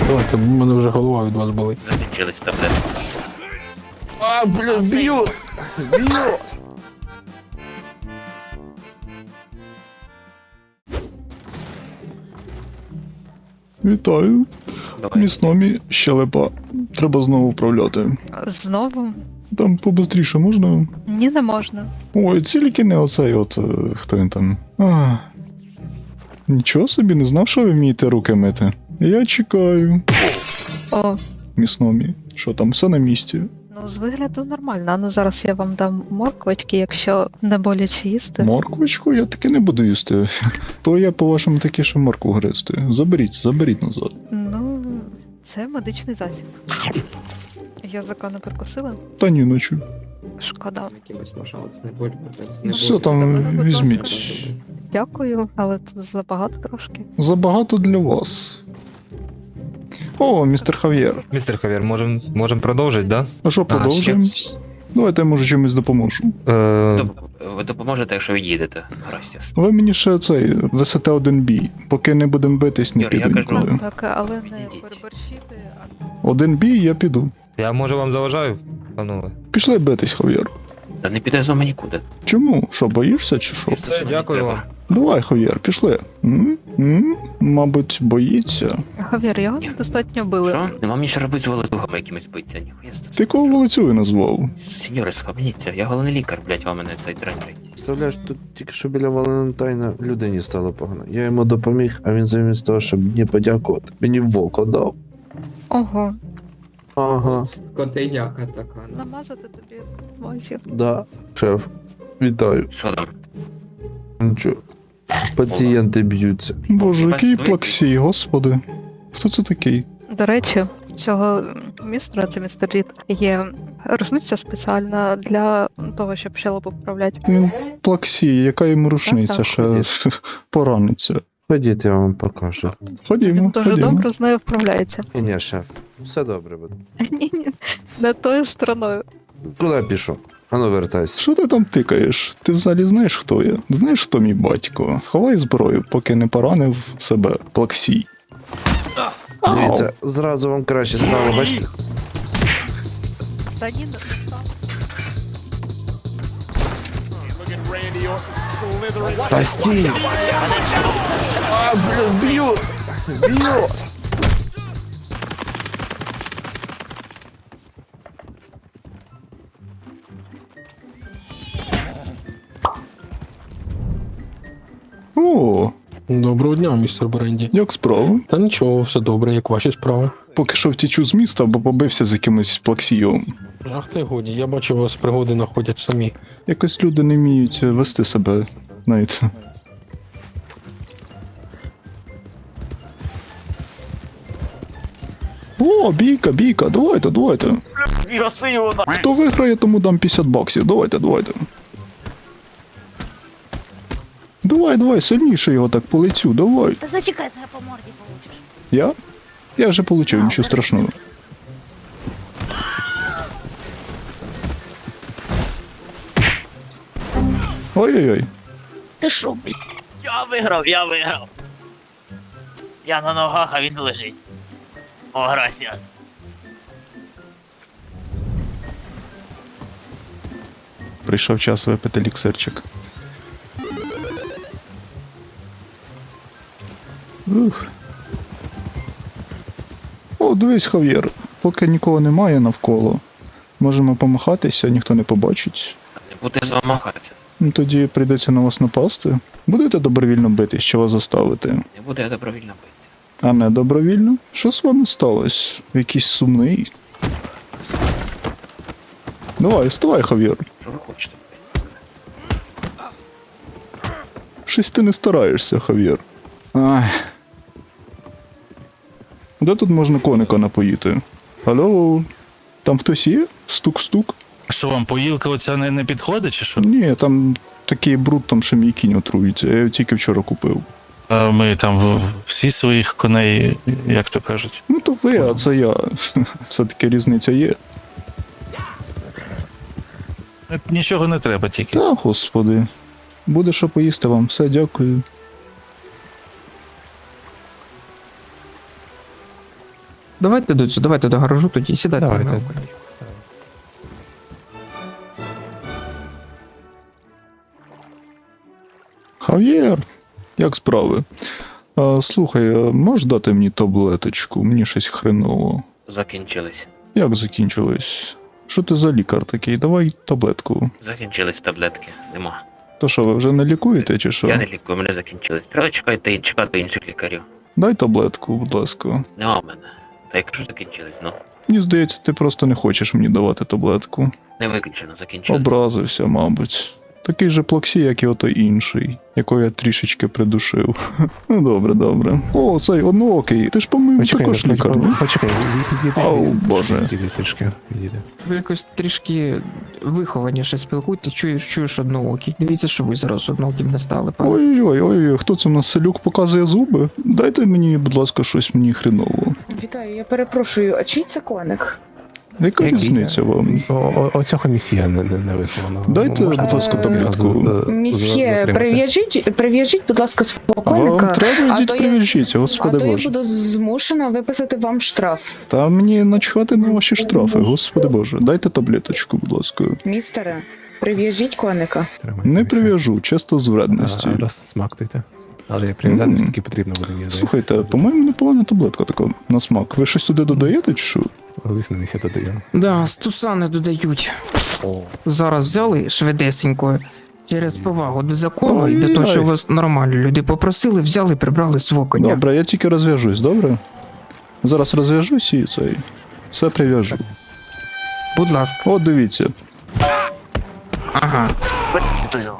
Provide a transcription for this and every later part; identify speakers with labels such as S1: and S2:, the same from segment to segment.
S1: Давайте, в мене вже голова від вас болить.
S2: Закінчились таблетки.
S1: А, бля, б'ю! Б'ю!
S3: Вітаю.
S2: Давай.
S3: Місномі, щелепа. Треба знову вправляти.
S4: Знову?
S3: Там побистріше можна?
S4: Ні, не можна.
S3: Ой, тільки не оцей хто він там. Нічого собі, не знав, що ви вмієте руки мити. Я чекаю.
S4: О,
S3: Місномі. Що там, все на місці?
S4: ну з вигляду нормально. Ну зараз я вам дам морквочки, якщо не боляче їсти.
S3: Морквочку? Я таки не буду їсти. То я, по-вашому, таки ще морку гризти. Заберіть назад.
S4: Ну, це медичний засіб. Язика не прикусила?
S3: Та ні, ночі.
S4: Шкода.
S5: Якимось пожалуйста, не боль.
S3: Все
S4: До
S3: там
S4: мене, будь
S3: візьміть.
S4: ласка. Дякую, але тут забагато трошки.
S3: Забагато для вас. О, містер Хав'єр.
S6: Містер Хав'єр, можем продовжити, да?
S3: А що, продовжуємо? Давайте я може чимось допоможу.
S2: Ви допоможете, якщо від'їдете. Грастіс.
S3: Ви мені ще висите один бій. Поки не будемо битись, не
S2: Юр, я
S3: піду
S2: кажу-
S3: ніколи.
S4: Так, але не
S2: Підійдіть.
S4: переборщити,
S3: Один бій, я піду.
S6: Я може вам заважаю, панове?
S3: Пішли битись, Хав'єр.
S2: Та не піде з вами нікуди.
S3: Чому? Що, боїшся чи що?
S2: Просто сюди
S6: дякую
S2: треба.
S6: вам.
S3: Давай, Хав'єр, пішли. Мабуть, боїться.
S4: Хав'єр, його недостатньо били.
S2: Що? Нема мені ще робити з володугами якимось биться. Ніхуя з
S3: Ти кого вулицюю назвав?
S2: Сеньори, схаменіться, я головний лікар, блять, вам мене цей дрань якийсь.
S7: Представляєш, тут тільки що біля Валентайна людині стало погано. Я йому допоміг, а він замість того, щоб мені подякувати, мені в око дав.
S4: Ого,
S7: Ага,
S5: Скотиняка така. ну.
S4: намазати тобі мазів.
S7: да. Шеф, вітаю.
S2: Що там?
S7: Нічого. Пацієнти б'ються.
S3: Боже, який
S2: Бачите,
S3: плаксій, господи. Хто це такий?
S4: До речі, цього містера, це містер Рід, є рушниця спеціальна для того, щоб щелепу поправляти.
S3: Він плаксій, яка йому рушниця
S4: Так,
S3: ще пораниться.
S7: Ходіть, я вам покажу.
S3: Ходімо,
S4: Він дуже
S3: ходімо.
S4: добре з нею вправляється.
S7: Ні, шеф, все добре буде.
S4: Ні, не тою стороною.
S7: Куди пішов? Ану, вертайся.
S3: Що ти там тикаєш? Ти взагалі знаєш, хто я? Знаєш, хто мій батько? Сховай зброю, поки не поранив себе плаксій. Ау!
S7: Дивіться, зразу вам краще стало, бачите?
S4: Та ні, не став.
S7: Та стій!
S3: А, бля, б'ю! Б'ю! О,
S1: Доброго дня, містер Бренді.
S3: як справа?
S1: Та нічого, все добре, як ваші справи.
S3: Поки що втічу з міста, бо побився з якимось плаксієм.
S1: Ах ти годі, я бачу, вас пригоди знаходять самі.
S3: Якось люди не вміють вести себе, знаєте. О, бійка, давайте. Хто виграє, тому дам 50 баксів. Давайте. Давай, сильніше його так по лицю, давай.
S8: Та зачекай, зараз по морді получиш.
S3: Я? Я вже получив, нічого страшного. Ой-ой-ой.
S8: Ти шо, блядь?
S9: Я виграв. Я на ногах, а він лежить. О, грасіас.
S3: Прийшов час випити ліксирчик. Ух. О, дивись, Хав'єр, поки нікого немає навколо, можемо помахатися, ніхто не побачить.
S2: Не буде з вами махатися.
S3: Ну, тоді прийдеться на вас напасти. Будете добровільно битись, чи вас заставити?
S2: Не буде я добровільно битися.
S3: А не добровільно? Що з вами сталося? Якийсь сумний? Давай, вставай, Хав'єр.
S2: Що ви хочете?
S3: Щось ти не стараєшся, Хав'єр. Ай. Де тут можна коника напоїти? Алло? Там хтось є? Стук-стук?
S10: Що вам, поїлка оця не підходить, чи що?
S3: Ні, там такий бруд, там ще мій кінь отруїться. Я його тільки вчора купив.
S10: А ми там всі своїх коней, як то кажуть.
S3: Ну то ви, а це я. Все-таки різниця є.
S10: Нічого не треба тільки.
S3: Та, господи. Буде що поїсти вам. Все, дякую.
S11: Давайте до цього, давайте до гаражу тоді, сідайте.
S6: Давайте.
S11: Давайте.
S3: Хав'єр, як справи? Слухай, можеш дати мені таблеточку? Мені щось хреново.
S2: Закінчились.
S3: Як закінчилось? Що ти за лікар такий? Давай таблетку.
S2: Закінчились таблетки. Нема.
S3: То що, ви вже не лікуєте чи що?
S2: Я не лікую, мене закінчились. Треба чекати інших лікарів.
S3: Дай таблетку, будь ласка.
S2: Нема в мене. Та якщо закінчились, ну.
S3: Мені здається, ти просто не хочеш мені давати таблетку.
S2: Не виключено, закінчились.
S3: Образився, мабуть. Такий же плаксій, як і отой інший, якого я трішечки придушив. Ну добре, добре. О, цей одноокий. Ти ж по-моєму також лікар, ні?
S6: Почекай,
S3: Ау, боже.
S11: Ви якось трішки вихованіше спілкуйтесь, чуєш одноокий. Дивіться, що ви зараз однооким не стали, пане.
S3: Ой-ой-ой, хто це в нас селюк показує зуби? Дайте мені, будь ласка, щось мені хреново.
S12: Вітаю, я перепрошую, а чий це коник?
S3: Яка різниця вам?
S6: Оцього місія не виховано.
S3: Дайте, будь ласка, таблетку.
S12: Місьє, прив'яжіть, будь ласка, свого
S3: Вам
S12: коника,
S3: треба, йдіть
S12: то я-
S3: прив'яжіть,
S12: а
S3: господи
S12: то я
S3: боже.
S12: буду змушена виписати вам штраф.
S3: Та мені начхати на ваші штрафи, господи боже. Дайте таблеточку, будь ласка.
S12: Містере, прив'яжіть коника.
S3: Не прив'яжу, чисто з вредності.
S6: Розсмактуйте. Але прив'язати все-таки потрібно буде мені.
S3: Слухайте, по-моєму, непогана таблетка така на смак. Ви щось туди додаєте чи що?
S6: Звісно, місія додаю.
S11: Да, стусани додають. Зараз взяли швидесенько. Через повагу до закону і до того, що вас нормально люди попросили, взяли, прибрали свого коня.
S3: Добре, я тільки розв'яжусь, добре? Зараз розв'яжусь і цей. Все прив'яжу.
S11: Будь ласка.
S3: От дивіться.
S11: Ага.
S9: Випитую.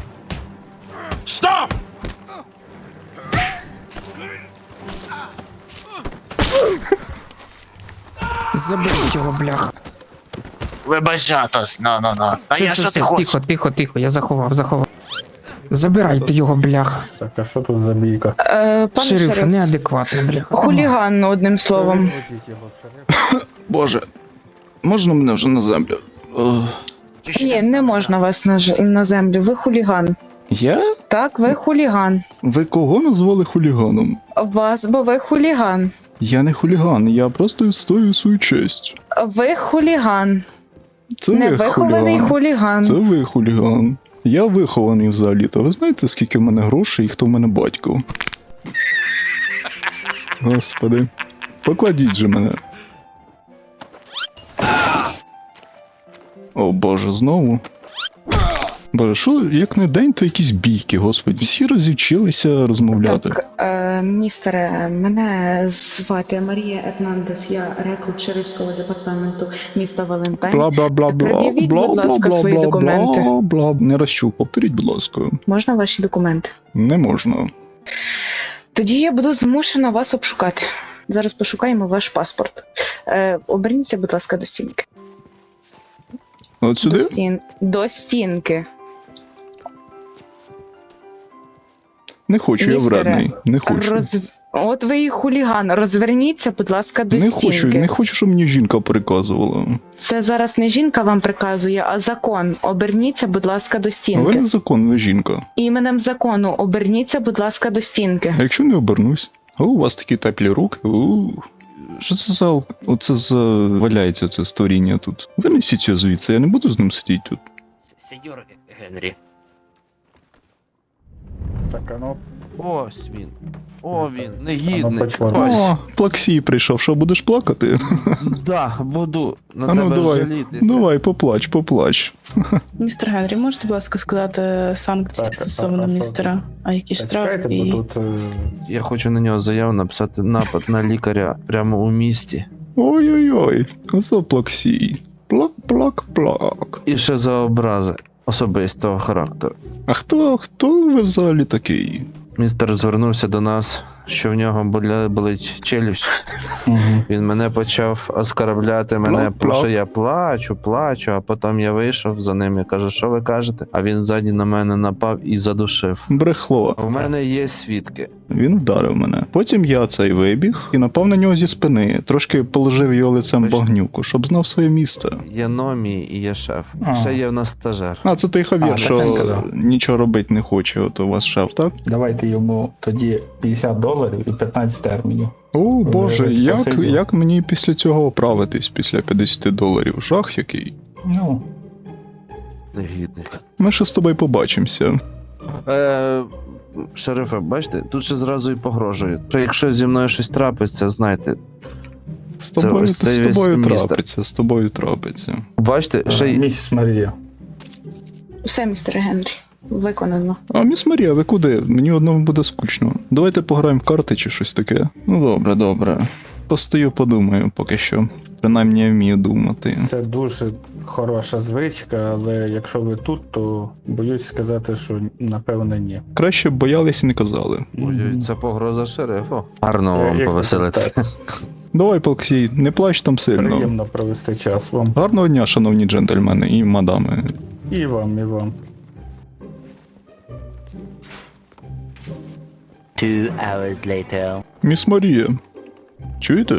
S11: Заберіть його, бляха.
S9: Вибач, Атос, ну. А я що ти хочеш?
S11: Тихо, я заховав. Забирайте його, бляха.
S1: Так, а що тут за бійка?
S12: Пане
S11: Шериф,
S12: шериф,
S11: неадекватно, бляха.
S12: хуліган, одним словом.
S3: Боже. Можна мене вже на землю?
S12: Ні, не можна вас на землю, ви хуліган.
S3: Я?
S12: Так, ви хуліган.
S3: Ви кого назвали хуліганом?
S12: Вас, бо ви хуліган.
S3: Я не хуліган, я просто відстоюю свою честь.
S12: Ви хуліган.
S3: Це ви
S12: Невихований хуліган.
S3: Це ви хуліган. Я вихований взагалі-то. Ви знаєте, скільки в мене грошей і хто в мене батько? Господи. Покладіть же мене. О боже, знову. Боже, що, як не день, то якісь бійки, господи. Всі розівчилися розмовляти.
S12: Так, містере, мене звати Марія Ернандес, я рекрут Шерифського департаменту міста Валентайн.
S3: Бла-бла-бла-бла.
S12: Пред'явіть, будь ласка, свої документи.
S3: Бла-бла-бла. Не розчув, повторіть, будь ласка.
S12: Можна ваші документи?
S3: Не можна.
S12: Тоді я буду змушена вас обшукати. Зараз пошукаємо ваш паспорт. Оберніться, будь ласка, до стінки.
S3: От сюди?
S12: До стінки.
S3: Не хочу, я
S12: Містере,
S3: вредний. Не хочу.
S12: От ви і хуліган. Розверніться, будь ласка, до
S3: Не
S12: стінки.
S3: хочу, щоб мені жінка приказувала.
S12: Це зараз не жінка вам приказує, а закон. Оберніться, будь ласка, до
S3: Ви
S12: стінки.
S3: не закон, ви жінка.
S12: Іменем закону оберніться, будь ласка, до стінки.
S3: А якщо не обернусь? О, у вас такі теплі руки. Що це за... Оце за... валяється це створіння тут. Винесіть його звідси, я не буду з ним сидіти тут.
S2: Сеньор Генрі.
S1: Так, а ну.
S7: Ось він. О, він, негідний. Ось.
S3: О, плаксій прийшов, що будеш плакати?
S7: Да, буду на
S3: А ну
S7: тебе
S3: давай,
S7: жалітися.
S3: давай, поплач.
S12: Містер Генрі, можете, будь ласка, сказати санкції стосовно містера? А які штрафи? І...
S7: Я хочу на нього заяву написати напад на лікаря прямо у місті.
S3: Ой-ой-ой, оце плаксій. Плак.
S7: І ще за образи особистого характеру.
S3: А хто ви взагалі такий?
S7: Містер звернувся до нас, що в нього болить челюсть. Він мене почав оскарбляти, мене, що я плачу, а потім я вийшов за ним і кажу, що ви кажете? А він ззаді на мене напав і задушив.
S3: Брехло.
S7: У мене є свідки.
S3: Він вдарив мене. Потім я цей вибіг і напав на нього зі спини. Трошки положив його лицем в багнюку, щоб знав своє місце.
S7: Є номі і є шеф. Ще є в нас стажер.
S3: А, це той Хав'єр,
S1: А,
S3: що
S1: так він казав.
S3: нічого робити не хоче, от у вас шеф, так?
S1: Давайте йому тоді $50 доларів і 15 термінів.
S3: О, Боже,
S1: Вже
S3: як,
S1: спасибі.
S3: як мені після цього оправитись, після 50 доларів? Жах який.
S1: Ну,
S7: Негідник.
S3: Ми ще з тобою побачимося.
S7: Шерифе, бачите, тут ще зразу і погрожують. Що якщо зі мною щось трапиться, знайте.
S3: З тобою,
S7: ось цей
S3: з
S7: весь
S3: тобою
S7: містер.
S3: трапиться, з тобою трапиться.
S7: Бачите, ще й
S1: місіс Марія.
S12: Все, містер Генрі, виконано.
S3: А міс Марія, ви куди? Мені одному буде скучно. Давайте пограємо в карти чи щось таке. Ну добре, добре. Постою, подумаю поки що. Принаймні я вмію думати.
S1: Це дуже хороша звичка, але якщо ви тут, то боюсь сказати, що напевно ні.
S3: Краще б боялись і не казали.
S7: ой, це погроза шерифу. Гарно вам
S1: Як
S7: повеселитися.
S1: так?
S3: Давай, Полксій, не плач там сильно.
S1: Приємно провести час вам.
S3: Гарного дня, шановні джентльмени і мадами.
S1: І вам, і вам.
S9: 2 hours later.
S3: Міс Марія. Чуєте?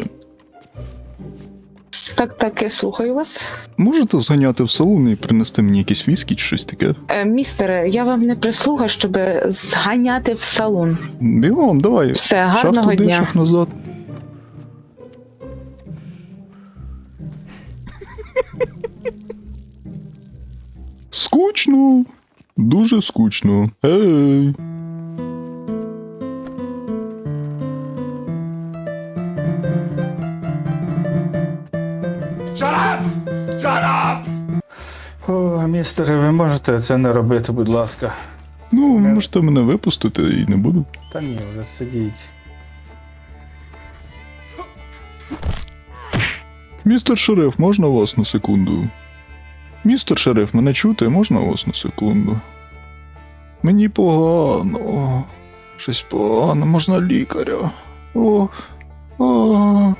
S12: Так, я слухаю вас.
S3: Можете зганяти в салон і принести мені якісь віскі чи щось таке?
S12: Містере, я вам не прислуга, щоб зганяти в салон.
S3: Бігом, давай.
S12: Все,
S3: Шах
S12: гарного
S3: туди,
S12: дня.
S3: шах назад. Скучно. Дуже скучно. Ей.
S1: О, містере, ви можете це не робити, будь ласка.
S3: Ну, можете мене випустити і не буду.
S1: Та ні, вже сидіть.
S3: Містер шериф, можна вас на секунду? Містер шериф, мене чути, можна вас на секунду? Мені погано. Щось погано, можна лікаря. О. О.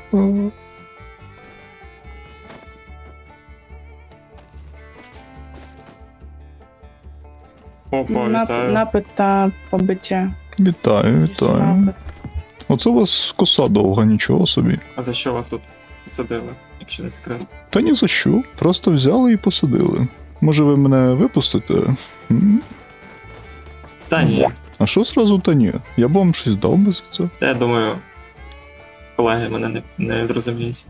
S13: Напит та побиття.
S3: Вітаю, вітаю. Оце у вас коса довга, нічого собі.
S13: А за що вас тут посадили, якщо не секрет?
S3: Та ні за що. Просто взяли і посадили. Може ви мене випустите? М?
S13: Та ні.
S3: А що зразу та ні? Я б вам щось дав би за це.
S13: Та я думаю, колеги мене не зрозуміють.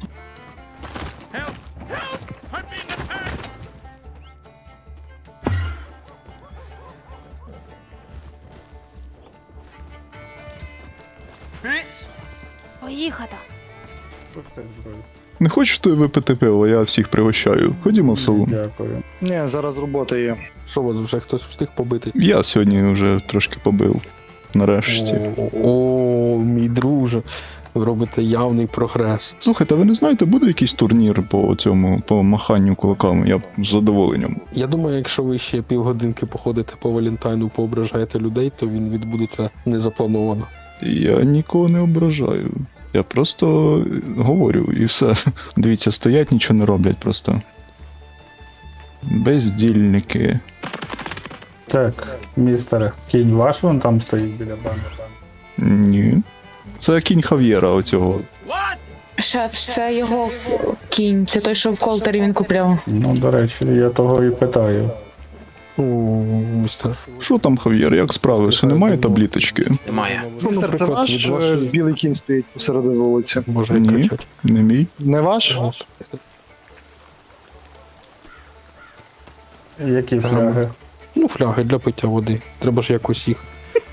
S8: Поїхати.
S1: Пустіть зброю.
S3: Не хочете випити пиво, я всіх пригощаю. Ходімо в салон.
S1: Дякую.
S6: Ні, зараз робота є. Що, вас вже хтось встиг побити?
S3: Я сьогодні вже трошки побив. Нарешті.
S6: О, мій друже, ви робите явний прогрес.
S3: Слухайте, а ви не знаєте, буде якийсь турнір по цьому, по маханню кулаками? Я б з задоволенням.
S6: Я думаю, якщо ви ще півгодинки походите по Валентайну, поображаєте людей, то він відбудеться незаплановано.
S3: Я нікого не ображаю. Я просто говорю і все. Дивіться, стоять, нічого не роблять просто. Бездільники.
S1: Так, містере, кінь ваш вон там стоїть біля банди.
S3: Ні. Це кінь Хав'єра оцього.
S12: Шеф, це його кінь, це той, що в колтері він купляв.
S1: Ну, до речі, я того і питаю.
S6: О, містер.
S3: Що там, Хав'єр, як справи? Ще немає табліточки?
S2: Немає.
S6: Ну, наприклад, від вашої...
S13: білий кінь стоїть посередині вулиці.
S6: Може
S3: Ні.
S6: кричать.
S3: Не мій?
S13: Не ваш?
S1: Які фляги?
S6: Ну, фляги для пиття води. Треба ж якось їх.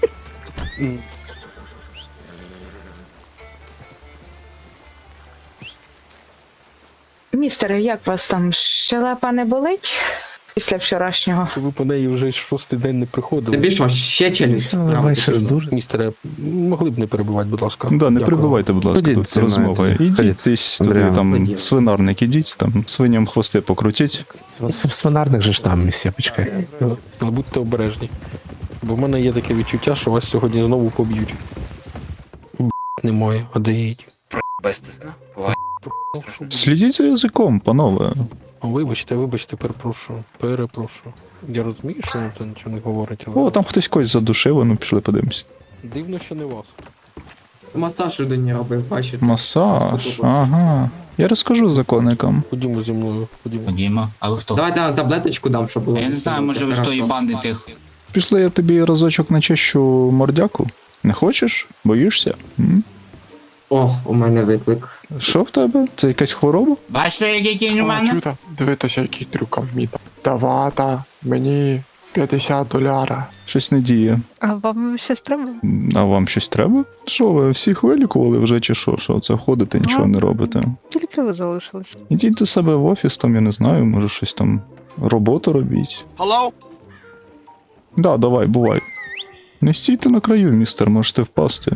S12: Містере, як вас там? Щелепа не болить після вчорашнього?
S6: Ви по неї вже 6-й день не приходили.
S5: Тобі що, ще челюсть?
S6: Містере, могли б не перебивати, будь ласка.
S3: Да, не
S6: Дякую.
S3: перебивайте, будь ласка,
S7: Ходіть
S3: тут
S7: зі мною
S3: розмова.
S7: тоді.
S3: Ідіть
S7: Ходіть.
S3: десь туди,
S7: Андріан,
S3: там,
S2: ходіть.
S3: свинарник, ідіть, там, свиням хвости покрутіть.
S6: Свинарник же ж там, місія, почекай. Але будьте обережні. Бо в мене є таке відчуття, що вас сьогодні знову поб'ють. Немає, а де їдь?
S2: Безстесно. Буває.
S3: Слідіть за язиком, панове.
S6: Вибачте, перепрошую. Я розумію, що вам це нічого не говорить, але...
S3: О, там хтось когось задушив, ну пішли подивимось.
S6: Дивно, що не вас.
S5: Масаж людині робив, бачите.
S3: Масаж,
S5: Сподобався.
S3: ага. Я розкажу законникам.
S6: Ходімо зі мною, ходімо.
S10: Ходімо, а ви хто?
S5: Давайте таблеточку дам, щоб було.
S10: Я не знаю, може ви з тої банди тих.
S3: Пішли, я тобі разочок начищу мордяку. Не хочеш? Боїшся?
S5: О, у мене виклик.
S3: Що в тебе? Це якась хвороба?
S9: Бачите, який у мене?
S6: Дивитися, який трюк вміти. Давата, мені $50.
S3: Щось не діє.
S4: А вам щось треба?
S3: А вам щось треба? Що ви всіх вилікували вже чи що? Що це ходите, нічого не робите?
S4: Тільки ви залишились.
S3: Ідіть до себе в офіс, там я не знаю, може щось там роботу робіть.
S9: Hello?
S3: Да, давай, бувай. Не стійте на краю, містер, можете впасти.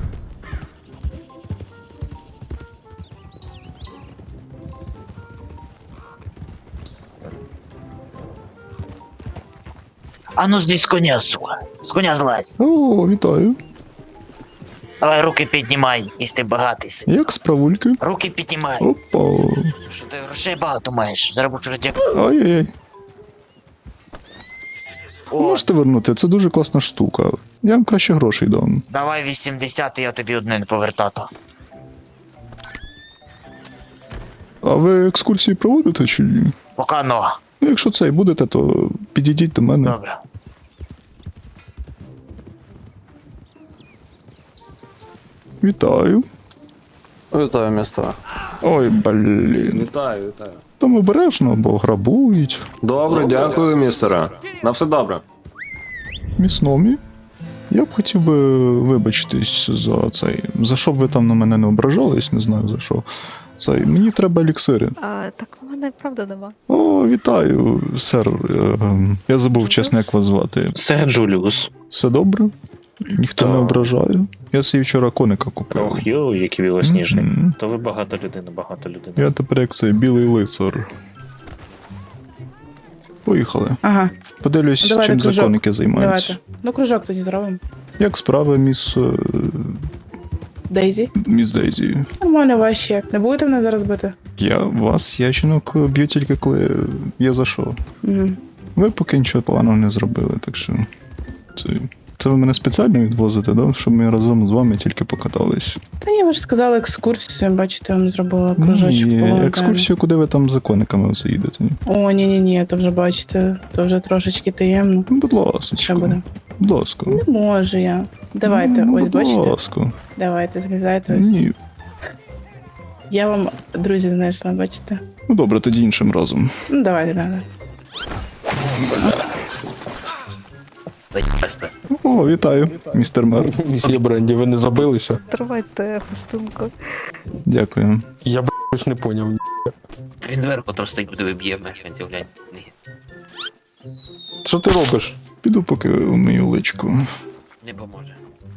S9: А ну здесь з коня, сука. З коня злазь.
S3: О, вітаю.
S9: Давай руки піднімай, якщо ти багатий.
S3: Як справульки?
S9: Руки піднімай.
S3: Опа.
S9: Що ти грошей багато маєш? Заробити раді.
S3: Ай-яй-яй.
S9: О,
S3: Можете вернути, це дуже класна штука. Я вам краще грошей дам.
S9: давай 80, я тобі одне не повертати.
S3: А ви екскурсії проводите чи ні?
S9: Пока но.
S3: Ну, якщо це і будете, то підійдіть до мене.
S9: Добре.
S3: Вітаю.
S7: Вітаю, містер.
S3: Ой, блін.
S6: Вітаю.
S3: Там обережно, бо грабують.
S6: Добре, дякую, містера. На все добре.
S3: Місномі. Я б хотів би вибачитись за цей. За що б ви там на мене не ображались, не знаю за що. Цей. Мені треба еліксири.
S4: А так в мене правда нема.
S3: О, вітаю, сер. Я забув чесно, як вас звати.
S2: Це Джуліус.
S3: Все добре? Ніхто не ображає. Я собі вчора коника купив.
S2: Йо, який білосніжний.
S3: Мгм.
S2: То ви багато людина.
S3: Я тепер як цей білий лицар. Поїхали.
S12: Ага,
S3: Подивлюсь,
S12: Давайте
S3: чим
S12: кружок.
S3: законники займаються.
S12: давайте. Ну, кружок тоді зробимо.
S3: Як справи,
S12: Дейзі.
S3: міс Дейзі?
S12: Нормально ваші як. Не будете мене зараз бити?
S3: Я жінок б'ю тільки коли є за що.
S12: Угу.
S3: Ви поки нічого поганого не зробили, так що. Це ви мене спеціально відвозите, да? Щоб ми разом з вами тільки покатались.
S12: Та ні, ви ж сказали екскурсію, бачите, я вам зробила кружочок.
S3: Ні,
S12: було,
S3: екскурсію, куди ви там з законниками оце їдете?
S12: О, ні, то вже бачите, то вже трошечки таємно.
S3: Ну, будь ласка.
S12: Що буде?
S3: Будь ласка.
S12: Не можу я. Давайте,
S3: Ну,
S12: ось
S3: будь
S12: бачите.
S3: ласка.
S12: Давайте, злізайте ось.
S3: Ні.
S12: Я вам друзів знайшла, бачите.
S3: Ну добре, тоді іншим разом.
S12: Ну, давайте.
S3: О, вітаю, містер мер.
S6: Місія Бренді, ви не забилися?
S4: Тривайте гостинку.
S3: Дякую.
S6: Я б не поняв.
S2: Та він зверху там стоїть, буде виб'є механці, глянь. Ні,
S6: Що ти робиш?
S3: Піду поки вмию личку.
S2: не поможе.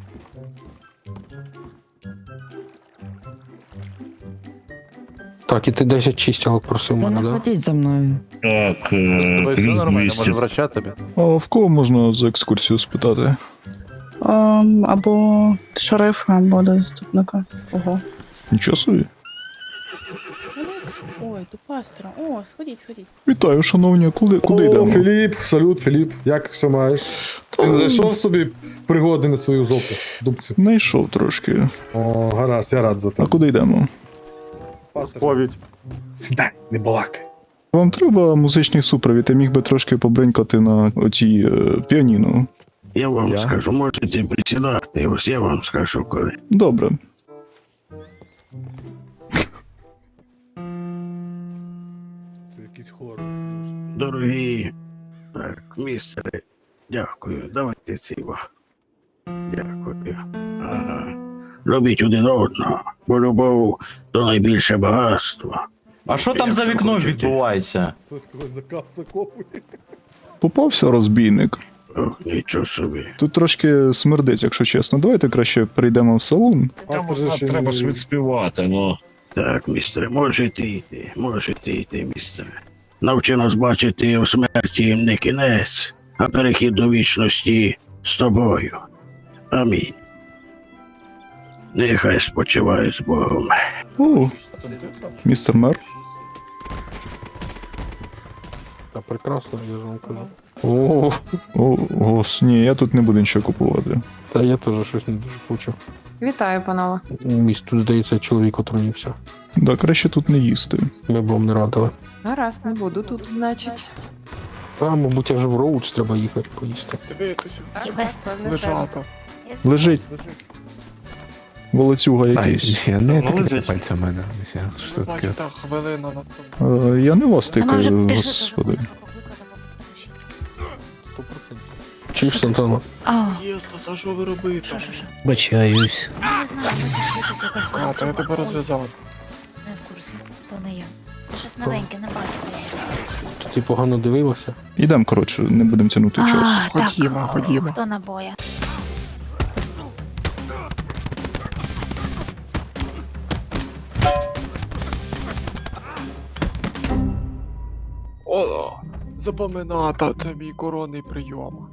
S6: Так, і ти 10 чистілок просив мене, да?
S11: Ходіть за мною.
S10: Так, плюс 200.
S3: А в кого можна за екскурсію спитати?
S12: Або шерифа, або до заступника. Ого.
S3: Нічого собі.
S12: Ой, до пастора. О, сходіть.
S3: Вітаю, шановні, куди йдемо?
S6: Філіп, салют, Філіп. Як все маєш? Ти не знайшов собі пригоди на свою жопу, дубцю?
S3: Найшов трошки.
S6: О, гаразд, я рад за
S3: А
S6: тебе.
S3: куди йдемо?
S6: Сповідь. Сідай, не балакай.
S3: Вам треба музичний супровід, я міг би трошки побринькати на оцій піаніно.
S6: Я вам скажу, можете присідати, ось я вам скажу коли.
S3: Добре.
S6: Це якийсь хор.
S14: Дорогі, так, містери, дякую, давайте ціво. Дякую. Ага. Любіть один одного, бо любов то найбільше багатство.
S7: А що там за вікном відбувається?
S6: Хтось когось закопує.
S3: Попався розбійник.
S14: Ох, нічого собі.
S3: Тут трошки смердить, якщо чесно. Давайте краще перейдемо в салон.
S6: Треба ж
S10: відспівати, ну.
S14: Так, містере, можете йти, містере. Навчи нас бачити у смерті не кінець, а перехід до вічності з тобою. Амінь. Нехай спочиває з Богом.
S3: О, містер мер.
S6: Та прекрасно, я ж вам кажу.
S3: Ні, я тут не буду нічого купувати.
S6: Та я теж щось не дуже хочу.
S12: Вітаю, панове.
S6: Місць тут, здається, чоловік отруївся.
S3: Да, краще тут не їсти.
S6: Ми б вам не радили.
S12: Гаразд, не буду тут, значить.
S6: Та, мабуть, аж в Роуч треба їхати поїсти.
S8: Лежати.
S3: Лежить. Волоцюга якийсь.
S6: Місія, не
S13: Давно
S6: тикайте
S13: лежить.
S6: пальцем в мене. Місія, що це таке?
S3: Я не вас
S8: Вона вже
S3: тикаю,
S8: пише,
S3: господи.
S6: Чуєш, Сантана?
S8: А,
S13: Єстас, а що ви робите?
S8: що?
S2: Бачаюсь.
S8: Я не знаю, що це якась
S13: то я тебе розв'язав.
S8: Не в курсі, то не я. Щось новеньке, не бачила.
S6: Ти погано дивилася?
S3: Ідем, коротше, не будемо тягнути час.
S8: Так, хто набоя?
S13: О, запомината, це мій коронний прийом.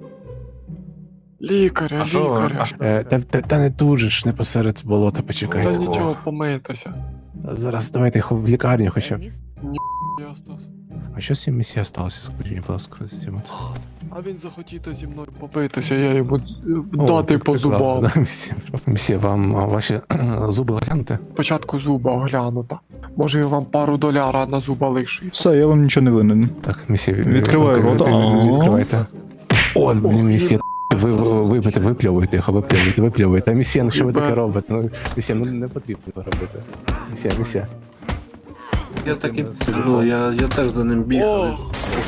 S13: Лікаря, лікаря.
S6: Та не тут же ж, не посеред болота, почекайте.
S13: Та нічого, помитися.
S6: Зараз давайте їх в лікарню хоча б.
S13: Єстас.
S6: А що з цим місія сталося? Скажіть мені, будь ласка, з цим.
S13: А він захотів зі мною побитися, я йому дати по зубам.
S6: Місія, вам ваші зуби оглянути?
S13: Спочатку зуба оглянута. Може я вам пару доляра на зуба лишив.
S3: Все, я вам нічого не винен.
S6: Так, місія,
S3: Відкриваю рота.
S6: Відкривайте. О, місія, ви випльовуєте їх, випльовуєте. Місія, ну що ви таке робите? Ну, місія, ну не потрібно робити. Місія.
S14: Я так і я теж за ним бігав.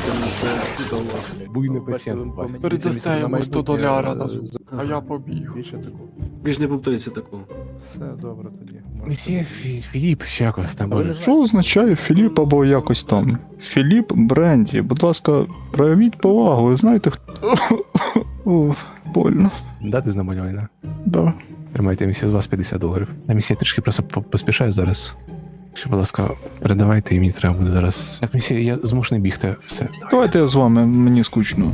S6: Буйний пацієнт, Вася.
S13: Передасте йому 100 доляра на зуб, а я побіг.
S14: Більш не повториться такого.
S6: Місія Філіп, ще якось там буде.
S3: Що означає Філіп або якось там? Філіп Бренді, будь ласка, проявіть повагу, ви знаєте хто. О, больно.
S6: Дати знамалювання?
S3: Да.
S6: Тримайте, місія, з вас $50. А місія трішки просто поспішаю зараз. Ще, будь ласка, передавайте, і мені треба буде зараз. Так, місія, я змушений бігти. Все.
S3: Давайте я з вами, мені скучно.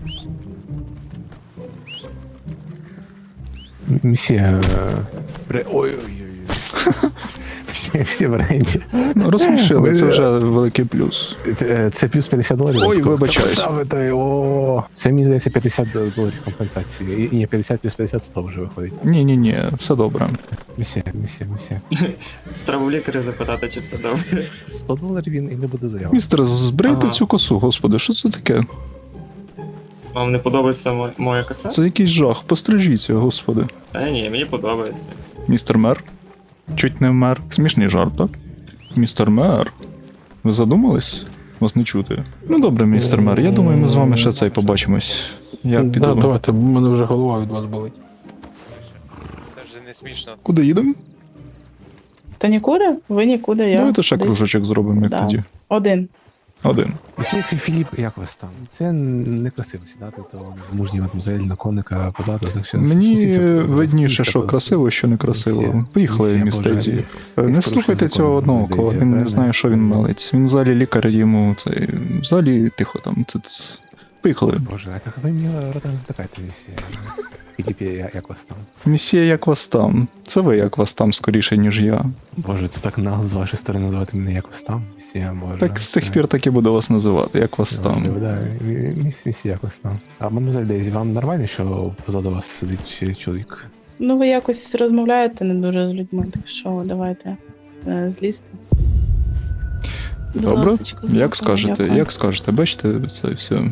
S6: Місія. Ой-ой-ой. Всі в оренді.
S3: Ну, розсмішили, це вже великий плюс.
S6: Це плюс $50.
S3: Ой, вибачаюсь.
S6: О, це, мені здається, $50 компенсації. І ні, 50 плюс 50 100 вже виходить.
S3: Ні, все добре.
S6: Місія.
S13: Треба у лікаря запитати, чи все добре.
S6: $100 він і не буде заяви.
S3: Містер, збрийте
S13: Ага.
S3: цю косу, господи, що це таке?
S13: Вам не подобається моя коса?
S3: Це якийсь жах, пострижіться, господи.
S13: Та ні, мені подобається.
S3: Містер мер? Чуть не вмер. Смішний жарт, так? Містер мер. Ви задумались? Вас не чути. Ну добре, містер мер, я думаю, ми з вами ще цей побачимось. Я піду.
S6: Да, давайте, бо в мене вже голова від вас болить.
S9: Це вже не смішно.
S3: Куди їдемо?
S12: Та нікуди? Ви нікуди, я.
S3: Давайте ще кружочок зробимо, як
S12: Да.
S3: тоді.
S12: Один.
S3: Один.
S6: Місія Філіп, як вас там? Це некрасиво сідати, то мужній мадмузель на коника позаду, так що
S3: Мені
S6: спустіться,
S3: видніше,
S6: спустіться,
S3: що красиво, що не красиво.
S6: Місія,
S3: Поїхали,
S6: Боже,
S3: містер. Не
S6: порушує
S3: слухайте цього
S6: закон,
S3: одного кола,
S6: Дезі,
S3: він не
S6: правильно?
S3: знає, що він мелить. Він в залі лікар йому цей. В залі тихо там. Поїхали.
S6: Боже, а так ви мені рота не затикайте, місія. Філіп, як вас там?
S3: Місія, як вас там? Це ви як вас там скоріше, ніж я.
S6: Боже, це так нагло з вашої сторони називати мене як вас там, місія, Боже.
S3: Так з цих пір так і буду вас називати, як вас там.
S6: Да, місія, як вас там. А мадмузель Дезі, вам нормально, що позаду вас сидить чоловік?
S12: Ну, ви якось розмовляєте не дуже з людьми, так що давайте злізьте.
S3: Добре, як скажете, бачите, це все.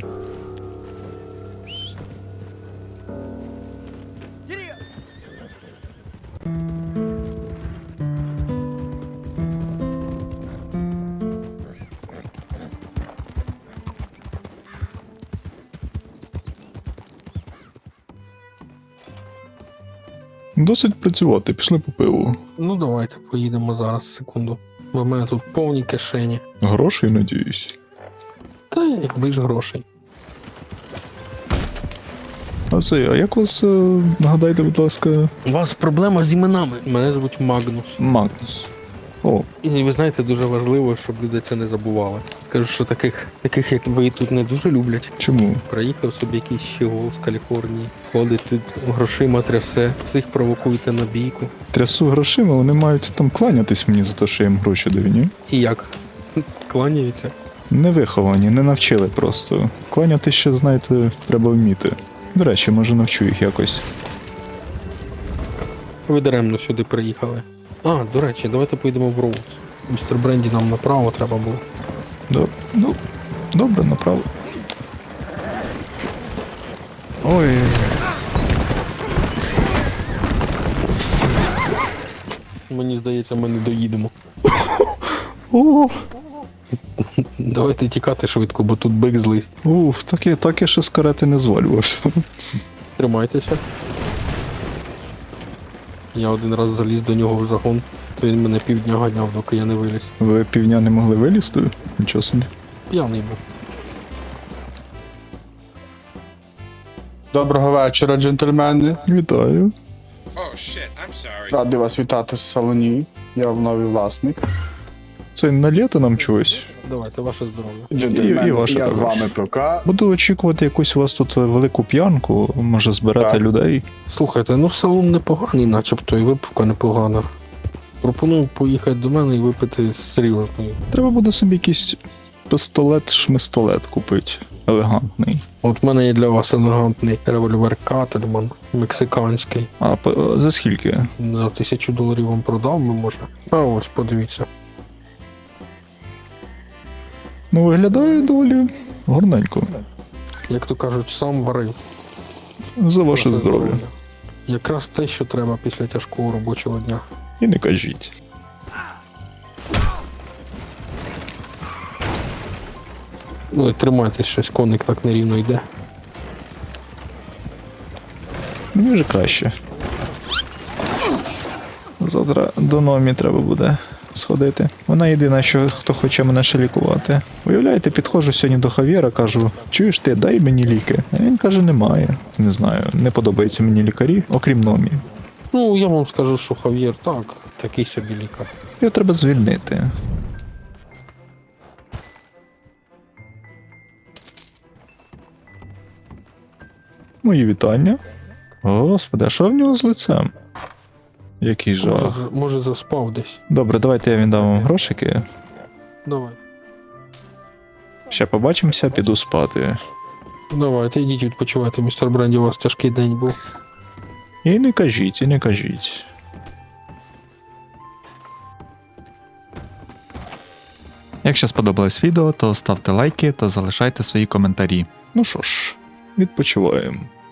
S3: Досить працювати, пішли по пиву.
S6: Ну давайте поїдемо зараз, секунду. Бо в мене тут повні кишені.
S3: Грошей, надіюсь.
S6: Та якби ж грошей.
S3: А як вас, нагадайте, будь ласка,
S6: У вас проблема з іменами. Мене звуть Магнус.
S3: Магнус? О,
S6: І ви знаєте, дуже важливо, щоб люди це не забували. Скажу, що таких як ви тут не дуже люблять.
S3: чому?
S6: Приїхав собі якийсь щегол з Каліфорнії, ходить тут грошима трясе, всіх провокуєте на бійку.
S3: Трясу грошима, вони мають там кланятись мені за те, що я їм гроші даю, ні?
S6: І як? Кланяються.
S3: Не виховані, не навчили просто. Кланяти ще, знаєте, треба вміти. До речі, може навчу їх якось.
S6: Ви даремно сюди приїхали. А, до речі, давайте поїдемо в Роуз. Містер Бренді нам направо треба було.
S3: Добре, направо. Ой.
S13: Мені здається, ми не доїдемо.
S3: О,
S13: Давайте тікати швидко, бо тут бик злий.
S3: уф, так я ще з карети не звалювався.
S13: Тримайтеся. Я один раз заліз до нього в загон, то він мене півдня ганяв, доки я не виліз.
S3: Ви півдня не могли вилізти? Нічого собі.
S13: П'яний був.
S1: Доброго вечора, джентльмени.
S3: Вітаю.
S1: Радий вас вітати в салоні. Я новий власник.
S3: Це налєте нам чогось?
S13: Давайте, ваше здоров'я.
S3: І ваше
S1: я з
S3: також.
S1: вами ПК.
S3: Буду очікувати якусь у вас тут велику п'янку, може зберете
S1: Так.
S3: людей.
S13: Слухайте, ну салон непоганий, начебто, і випивка непогана. Пропоную поїхати до мене і випити серйозної.
S3: Треба буде собі якийсь пістолет-шмистолет купити. Елегантний.
S13: От в мене є для вас елегантний револьвер Кательман, мексиканський.
S3: А за скільки?
S13: За $1000 вам продав би, може. А ось, подивіться.
S3: Ну, виглядає доволі гарненько.
S13: Як то кажуть, сам варив.
S3: За ваше здоров'я.
S13: Якраз те, що треба після тяжкого робочого дня.
S3: І не кажіть.
S13: Ну і тримайтесь, щось коник так нерівно йде.
S3: Мені вже краще. Завтра до Номі треба буде сходити. Вона єдина, хто хоче мене ще лікувати. Уявляєте, підходжу сьогодні до Хав'єра, кажу, чуєш ти, дай мені ліки. А він каже, немає. Не знаю, не подобаються мені лікарі, окрім Номі.
S13: Ну, я вам скажу, що Хав'єр так, такий собі лікар.
S3: Його треба звільнити. Мої вітання. Господи, а що в нього з лицем? Який жах.
S13: Може заспав десь.
S3: Добре, давайте я віддам вам грошики.
S13: Давай.
S3: Ще побачимося, піду спати.
S13: Давайте, йдіть відпочивайте, містер Бренді, у вас тяжкий день був.
S3: І не кажіть, і не кажіть.
S15: Якщо сподобалось відео, то ставте лайки та залишайте свої коментарі.
S3: Ну що ж, відпочиваємо.